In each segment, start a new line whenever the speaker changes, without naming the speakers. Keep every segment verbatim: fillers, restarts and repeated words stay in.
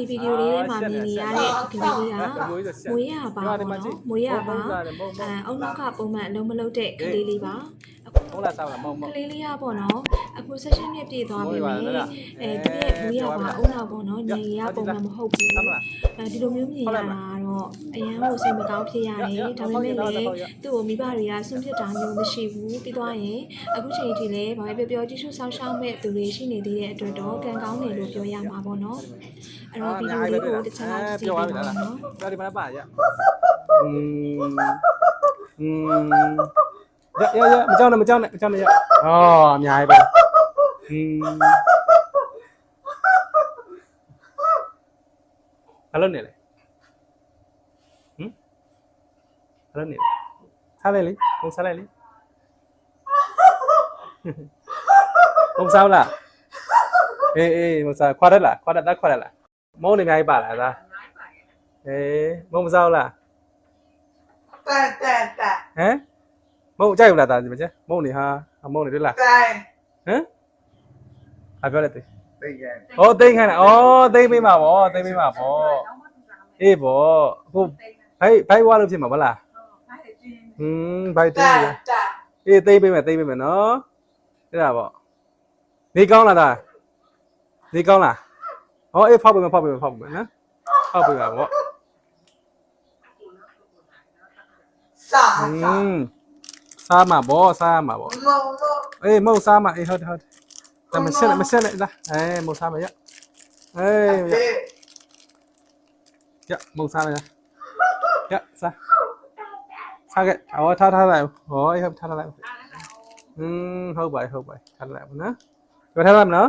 ဒီဗီဒီယိုလေးထဲမှာမြင်နေရတဲ့ကလေးလေးကမွေးရပါပေါ့နော်မွေးရပါအဲအုံနောက်ကပုံမှန်အလုံးမလုံးတဲ့ကလေးလေးပါ
ဟုတ်လားစောက်လားမဟုတ်မဟုတ်
ကလေးလေးရပေါ့နော်အခု session နဲ့ပြည့်သွားပြီမယ်အဲသူရဲ့မွေးရပါအုံနောက်ပေါ့နော်ညင်ရပုံမှန်မဟုတ်ဘူးအဲဒီလိုမျိုးမြင်ရတာတော့အရန်ကိုစိတ်မကောင်းဖြစ်ရတယ်ဒါပေမဲ့လည်းသူ့ကိုမိဘတွေကဆွန့်ပစ်တာမျိုးမရှိဘူးပြီးသွားရင်အခုချိန်ထိလည်းဘာပဲပြောပြောကြည့်ရှုဆောင်ရှောက်မဲ့သူတွေရှိနေသေးတဲ့အတွက်တော့ကံကောင်းတယ်လို့ပြောရမှာပေါ့နော်အဲ့တော့ဗီဒီယိုလေးကိုတစ်ချက်လောက်ကြည့်ပေးပါနော်
ဒါဒီမှာပါရอืมอืมရရရမကြောက်နဲ့မကြောက်နဲ့မကြောက်နဲ့ရအော်အများကြီးပဲอืมဘာလို့နေလဲဟမ်ဘာလို့နေလဲစားလိုက်လေဘုံစားလိုက်လေဘုံစားလားအေးအေးဘုံစားခွာရက်လားခွာရက်တက်ခွာရက်လားမုံနေအများကြီးပါလားသားအေးမုံမစားလား
တက်တက်တက်
ဟမ်မုံကြိုက်ဘူးလားသားဒီမကျမုံနေဟာမုံနေတွေ့လား
တိုင်
ဟမ်အပြောလိုက်သေး
သိခဲ့
ဩသိန်းခိုင်းလားဩသိန်းပေးမှာဗောသိန်းပေးမှာဗောအေးဗောအခုဘိုက်ဘိုက်ဝါလို့ဖြစ်မှာဗလားဟင်းဘိုက်သိန်းအေးသိန်းပေးမယ်သိန်းပေးမယ်နော်အဲ့ဒါဗောနေကောင်းလားသားနေကောင်းလားဩအေးဖောက်ပေးမယ်ဖောက်ပေးမယ်ဖောက်ပေးမယ်နော်ဖောက်ပေးပါဗော
စာ
ဟင်းစားမှာဗောစားမှာဗော
မုံမုံ
အေးမဟုတ်စားမှာအေးဟုတ်တယ်ဟုတ်တယ်ဒါမဆက်နဲ့မဆက်နဲ့လားအေးမဟုတ်စားမှာရအေးရရမဟုတ်စားမှာရစားစားခဲ့အော်ထားထားလိုက်ဟောအေးဟုတ်ထားထားလိုက်อืมဟုတ်ပါဟုတ်ပါထားလိုက်ပါနော်ပြောထားလိုက်မနော်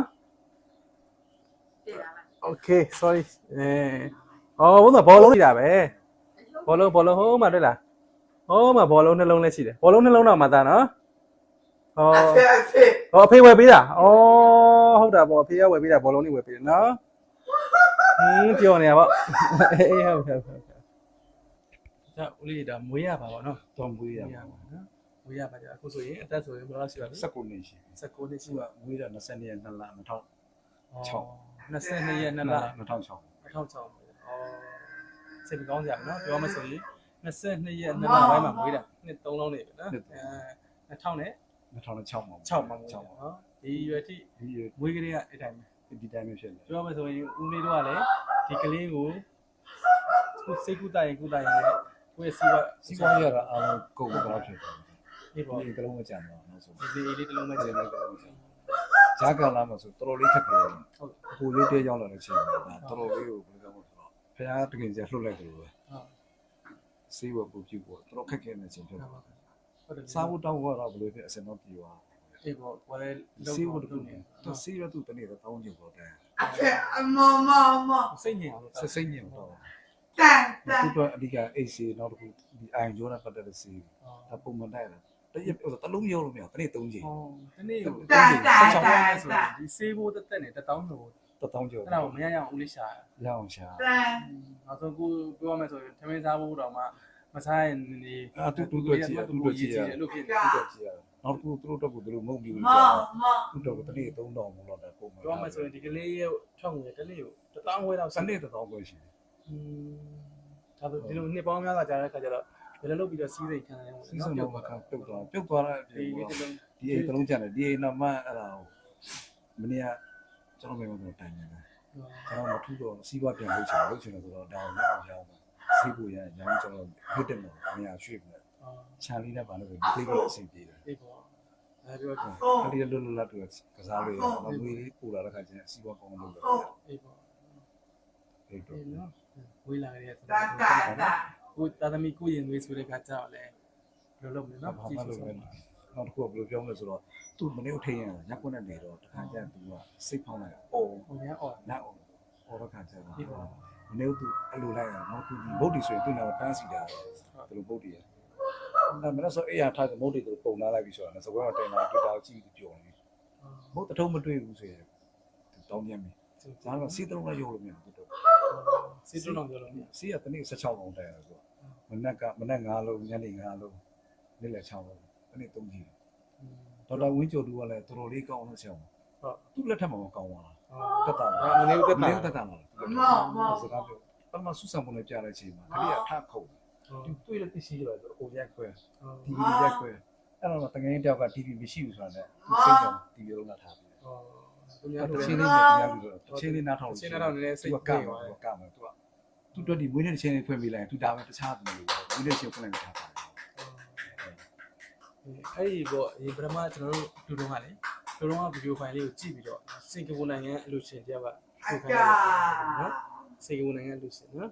Okay sorry အဲအော်ဘုံကဘောလုံးနေတာပဲဘောလုံးဘောလုံးဟိုးမှာတွေ့လားဟိုးမှာဘောလုံးနှလုံးလည်းရှိတယ်ဘောလုံးနှလုံးတော့မှသားနော်ဟောဟောအဖေဝယ်ပေးတာဩဟုတ်တာပေါ့အဖေကဝယ်ပေးတာဘောလုံးလေးဝယ်ပေးတယ်နော်ဟင်းပြောနေရပါအေးဟုတ်ဟုတ်ဟုတ်ဒါဦးလေးဒါမွေးရပါပေါ့နော်
တော်မွေးရပါ
နော်မွေးရပါကြအခုဆိုရင်အသက်ဆိုရင်ဘယ်လောက်ရှိပါလဲ
၁၉နှစ်ရှိ
၁၉နှစ်ရှိ
က
ပါ
မွေးတာ၂၂ရက်၂လ၂၀၀၆
၂၂ရက်၂လ
၂၀၀၆
၂၀၀၆အော်စိတ်ကောင်းကြပါနော်ပြောမှဆိုရင်၂၂ရက်၂လပိုင်းမှာမွေးတာနှစ်သုံးလုံးနေပြီနော်အဲ၂၀၀၀နဲ့
၂၀၀၆မှာ
၆မှာမွေးတာနော်ဒီရွယ်ထိ
ဒီရွယ်
မွေးကလေးကအဲ့တိုင်းပဲ
ဒီတိုင်းပဲဖြစ်နေ
ပြောမှဆိုရင်ဦးလေးတို့ကလည်းဒီကလေးကိုခုစိတ်ကူးတိုင်ကူးတိုင်နဲ့ကိုယ့်စီက
စီးပွားရေးကအားလုံးကုန်တော့ဖြစ်တယ်
ဒီပေါ့
ဒီကလုံးမကြံတော့နောက်ဆုံး
ဒီလေးတစ်လုံးပဲကျန်တယ်
ဂျာကန်လာမှာဆိုတော်တော်လေးခက်ခဲတယ်ဟုတ်အခုရုပ်တရက်ရောက်လာတဲ့ချိန်မှာတော်တော်လေးကိုဘယ်လိုပြောမလဲဆိုတော့ဖခင်တကယ်ကြီးလှုပ်လိုက်တယ်လို့ပဲ
ဟုတ်
စေးဝပူပြူပေါ့တော်တော်ခက်ခဲနေချိန်ဖြစ်တယ်ဟုတ်တယ်စားဖို့တောင်းတော့ဘယ်လိုဖြစ်အစင်တော့ပြေသွား
အေးပေါ့ဘာလဲ
စေးဝတူနေတော့စေးရတူတနေ့တော့တောင်းကြည့်ပေါ့တဲ့
အမမမ
စိတ်ညင်အောင်
စစိတ်ညင်တော့
တက်တက်
သူတို့အဓိကအိတ်စီနောက်တစ်ခုဒီအိုင်ဂျိုးနဲ့ပတ်သက်တဲ့စီဒါပုံမှန်တိုက်တယ်တရက်တလုံးရောလို့မရတနေ့သုံးချိန်
ဟုတ်တနေ့ကိုသုံးချိန်ဆက်ချောင်းရဆိုဒီစေးဖို့တက်တက်နဲ့တထောင်းလို့
တထောင်းကျော်
အဲ့ဒါကိုမရရအောင်ဦးလေးရှာ
ရအောင်ရှာ
တက်
နောက်ဆုံးကိုပြောရမယ်ဆိုရင်ထမင်းစားဖို့တော့မှမစားရင်နေ
အာတူတူတူကြည့်တူတူကြည့်ရ
လို့ဖြစ်
တူတူကြည့်ရနောက်တစ်ခုသူတို့တော့ကိုသူတို့မုံပြီးလို့
ကြာ
သူတို့ကတနေ့သုံးတောင်မလို့တော့ပုံမှန်
ပြောမှဆိုရင်ဒီကလေးရဲ့ထွက်ငွေကလေးကိုတထောင်းဝဲတော့
စနေတထောင်းပဲရှိတယ်
อืมဒါဆိုဒီလိုနှစ်ပေါင်းများစွာကြာတဲ့ခါကျတော့ဘယ်လိုလုပ်ပြီးတော့စီးစိတ်ခံရလဲ
စီးစိတ်တော့ခါပြုတ်သွားပြုတ်သွားတဲ့အပြင်ဒီအိမ်တလုံးကျန်တယ်ဒီအိမ်တော့မှအဲ့ဒါမနေ့ကကျွန်တော်မိမတို့တိုင်နေတယ်ကျွန်တော်မထူးတော့စီးပွားပြန်လုပ်ချင်လုပ်ချင်တယ်ဆိုတော့ဒါကိုလည်းအောင်ရအောင်စီးဖို့ရရောင်းကျွန်တော်ဟစ်တယ်လို့အများရွှေ့ပြီးချာလီနဲ့ပါလို့ဒီလေးကိုအဆင်ပြေတယ်
အေးပေါ့အဲပြောတော့
ခလီလွတ်လွတ်လပ်တူကစားလို့ရအောင်ငွေလေးပူလာတဲ့ခါကျရင်စီးပွားကောင်းလို့လုပ်တယ်
အေးပေါ့
အေးတော့
နော်ဝေးလာရတဲ့
တက်တက်တက်
ကိုတာသမီကိုရင်ငွေဆိုတဲ့ခါကြောက်လဲဘယ်လိုလုပ်မလဲနော်
ကြည့်ဆိုနောက်တစ်ခုဘယ်လိုပြောမလဲဆိုတော့သူ့မနေ့ထိန်ရညက်ကွနဲ့နေတော့တခါကျသူကစိတ်ဖောင်းလိုက်အော်
ဟိုညာအော်
နောက်အော်တော့ခါကျတော့မနေ့သူအလိုလိုက်ရနောက်သူဒီဘုတ်တီဆိုရင်သူ့နောက်တန်းစီတာသူတို့ဘုတ်တီရအဲ့မနေ့ဆိုအေးရထားတဲ့ဘုတ်တီကိုပုံလာလိုက်ပြီးဆိုတော့စကွဲမှာတင်လာတွေ့တာကြည့်ပြီးပြောနေဘုတ်တထုံးမတွေ့ဘူးဆိုရင်တောင်းပြန်ပြီဒါတော့စီးတုံးလည်းရုပ်လို့မရဘူးတို့
စီးတုံးတော့ပြောလို့
စီးရတနေ့၁၆လုံးတိုင်ရဆိုမနက်ကမနက်၅လုံးညနေ၅လုံးနေ့လယ်၆လုံးတနေ့၃ကြီးဒေါက်တာဝင်းကျော်သူကလည်းတော်တော်လေးကောင်းလို့ဆရာဟုတ်သူ့လက်ထက်မှာမကောင်းပါလားတက်တာ
မနေဦးသက်
မ
တာ
နေတက်တာမှာ
မောမော
စကားပြောပထမဆုဆောင်ပုံနဲ့ကြားတဲ့အချိန်မှာကလေးကထခုတ်သူတွေ့တဲ့ပစ္စည်းတွေဆိုအိုရက်ခွဲ တီဗီရက်ခွဲအဲ့တော့တကယ်တယောက်က တီဗီမရှိဘူးဆိုတာနဲ့စိတ်ကတီဗီလုံးလာထားပြီး
ဟောသူ
တယ်
များ
တ
တို့
ချင်းလေးနဲ့တရားလူတော့တချင်းလေးနားထောင်
ချင်းတော့နည်းနည်းစိတ်
ကကမှာကမှာသူကသူတို့ဒီမွေးနေ့ချင်းလေးဖွင့်ပေးလိုက်သူဒါပဲတခြားဘူးလို့မွေးနေ့ချင်းဖွင့်လိုက်ထားပါတယ်
အဲ့ဒီပေါ့ဒီပထမကျွန်တော်တို့လူတော်ကလေလူတော်ကဗီဒီယိုဖိုင်လေးကိုကြည့်ပြီးတော့စင်ကာပူနိုင်ငံအလူရှင်တယောက်က
အ
ထုတ်ခို
က
င်းတယ်နော်စင်ကာပူနိုင်ငံအလူရှင်နော်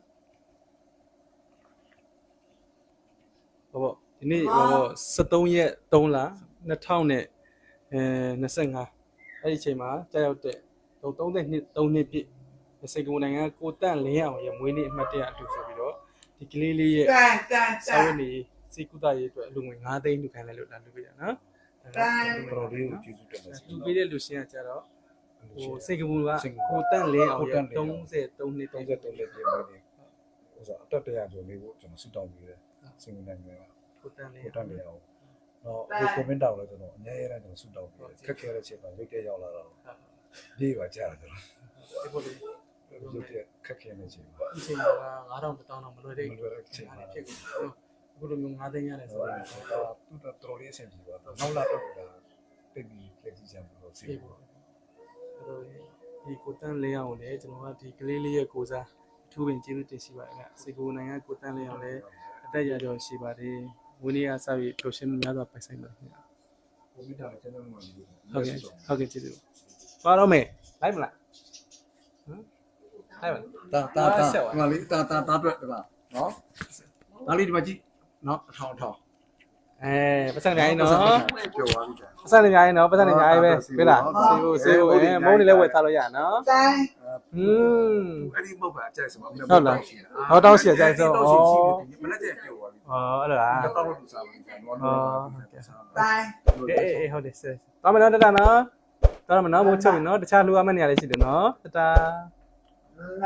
ဟောပေါ့ဒီနေ့ဟောပေါ့စက်သုံးရက်သုံးလနှစ်ထောင်နဲ့အဲနှစ်ဆယ့်ငါအဲ့ဒီအချိန်မှာကြာရောက်တဲ့သုံးနှစ်သုံးနှစ်ပြည့်စင်ကာပူနိုင်ငံကိုတန့်လင်းအောင်ရဲ့မွေးနေ့အမှတ်တရအတူဆိုပြီးတော့ဒီကလေးလေးရဲ့
တန်တန်တ
စာ
န်
ဝတ်နေစိတ်ကူးတာရေးအတွက်အလူငွေ၅သိန်းလူခံလိုက်လို့လာလူပေးရနော်
တော်လေးကိုကျေးဇူးတင်ပါတယ်
လူပေးတဲ့လူရှင်ကကြတော့ဟိုစင်ကာပူကကိုတန့်လင်းအောင်ရဲ့33နှစ်
33နှစ်ပြည့်မွေးနေ့ဥစားအတက်တရားဆိုလေးကိုကျွန်တော်ဆုတောင်းပေးတယ်စင်နိုင်ငံက
ကိုတန့်လင်း
ကိုတတ်နေအောင်တော့ဒီကွန်မန့်တောင်းလဲကျွန်တော်အများကြီးကျွန်တော်ဆုတောင်းပေးတယ်ခက်ခဲတဲ့ချိန်မှာရုပ်တရက်ရောက်လာတော့ပြေးပါကြတယ်ကျွန်တော်
ဒီပေါ်လေး
ရုပ်တရက်ခက်ခဲနေချိန်မှာ
ဒီချိန်ကငါးထောင်တစ်တောင်းတော့မလွယ်တဲ့
မလွယ်တဲ့ချိန်မှာ
ဖြစ်ကုန်အခုလိုမျိုး၅သိန်းရတယ်ဆို
ဆို
တော့
တော့သူတော်တော်လေးအဆင်ပြေပါတော့နောက်လာတော့ကတိတ်ပြီးလက်ကြည့်ချင်လို့စီ
ဖြစ်ပေါ့အဲ့တော့ဒီကိုတန့်လင်းအောင်လည်းကျွန်တော်ကဒီကလေးလေးရဲ့ကိုစားအထူးပင်ကျေးဇူးတင်ရှိပါတယ်ကစင်ကာပူနိုင်ငံကိုတန့်လင်းအောင်လည်းအသက်ရကြောရှိပါတယ်ဝင်းနေရစပြီးပျော်ရွှင်များစွာပိုင်ဆိုင်ပါခင်ဗျာ
ကိုမိတာလည်းကျွန်တော်မှမလုပ်ဘူး
ဟုတ်ကဲ့ဟုတ်ကဲ့ကျေးဇူးပါတော့မယ်လိုက်မလားဟမ်လိုက်ပါ
တာတာတာဒီမှာလေးတာတာတာအတွက်ဒီမှာနော်ဒါလေးဒီမှာကြည့်နော်အထောင်အထောင်
အဲပတ်စံနေနော်
ပြောသွားပြီကြာ
ပတ်စံနေညာရင်နော်ပတ်စံနေညာရင်ပဲပြလားစေဖို့စေဖို့အဲမုန်းနေလဲဝယ်ထားလို့ရနော်
တန်
ဟွန်း
အဲ့ဒီမဟုတ်ပါအကျိုက်စမမနေ့
မနေ့ကျပြောသွားပြီဩအဲ့လိုလား
တော့တော့လူစားပါနော်နော်
တန်
အေးအေးဟုတ်တယ်စေသွားမယ်နော်တတနော်သွားမယ်နော်မိုးချုပ်ပြီနော်တခြားလူအမနေရလေးရှိတယ်နော်တတ
လာ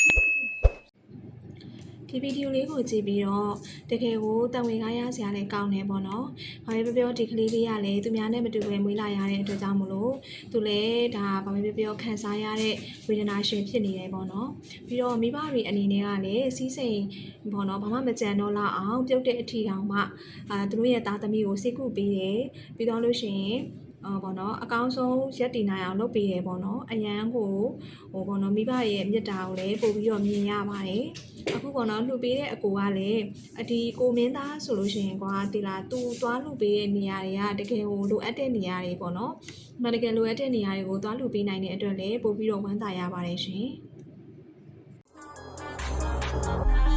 ဒီဗီဒီယိုလေးကိုကြည့်ပြီးတော့တကယ်ကိုတန်ဝင်ကားရစရာလည်းကောင်းတယ်ပေါ့နော်။ဘာပဲပြောပြောဒီကလေးလေးကလည်းသူများနဲ့မတူဘဲမွေးလာရတဲ့အတွက်ကြောင့်မလို့သူလည်းဒါဘာပဲပြောပြောခံစားရတဲ့ဝေဒနာရှင်ဖြစ်နေတယ်ပေါ့နော်။ပြီးတော့မိဘတွေအနေနဲ့ကလည်းစီးစိမ်ပေါ့နော်ဘာမှမကြံတော့လောက်အောင်ပြုတ်တဲ့အထီတောင်မှအာသူတို့ရဲ့သားသမီးကိုစိတ်ကူပေးတယ်။ပြီးတော့လို့ရှိရင်အော်ပေါ့နော်အကောင်းဆုံးရက်တည်နိုင်အောင်လုပ်ပေးတယ်ပေါ့နော်အရန်ကိုဟိုပေါ့နော်မိဘရဲ့မြတ်တာကိုလည်းပို့ပြီးတော့မြင်ရပါတယ်အခုပေါ့နော်လှူပေးတဲ့အကိုကလည်းအဒီကိုမင်းသားဆိုလို့ရှိရင်ကွာဒီလားသူသွားလှူပေးတဲ့နေရာတွေကတကယ်ကိုလိုအပ်တဲ့နေရာတွေပေါ့နော်မတကယ်လိုအပ်တဲ့နေရာတွေကိုသွားလှူပေးနိုင်တဲ့အတွက်လည်းပို့ပြီးတော့ဝမ်းသာရပါတယ်ရှင်